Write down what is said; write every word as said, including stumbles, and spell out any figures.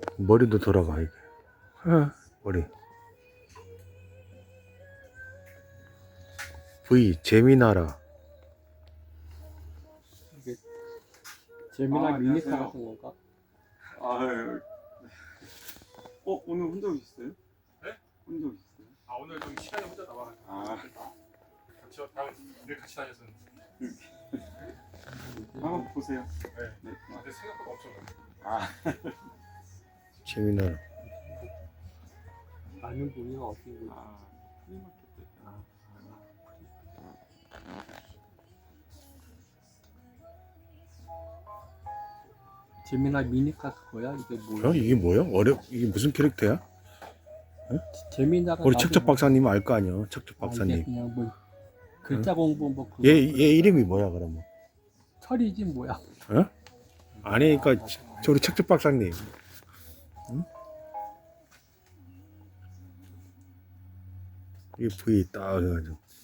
머리도 돌아가 이게. 어, 머리. V 재미나라. 이게 재미나 아, 미니카 안녕하세요. 같은 건가? 아, 어 오늘 혼자 오셨어요? 네? 혼자 오셨어요? 아 오늘 좀 시간이 혼자 남아가지고 아, 같이 다음 늘 같이 다녔었는데 한번 보세요. 네. 네. 아, 근데 생각보다 엄청 많아요. 아, 재미나라. 아는 분이가 어떻게 보지? 아, 프리마켓 때. 아, 재미나 미니카 그거야? 이게 뭐야? 어? 이게 뭐야? 어려 이게 무슨 캐릭터야? 재미나가 우리 나도 척척 뭐- 박사님 알 거 아니야? 척척 아, 이게 박사님. 그냥 뭐 글자 공부 뭐 그거 얘 얘 이름이 뭐야 그러면? 철이지 뭐야? 어? 아니 그러니까 저 우리 척척 박사님. 응? 이 V 딱 해가지고.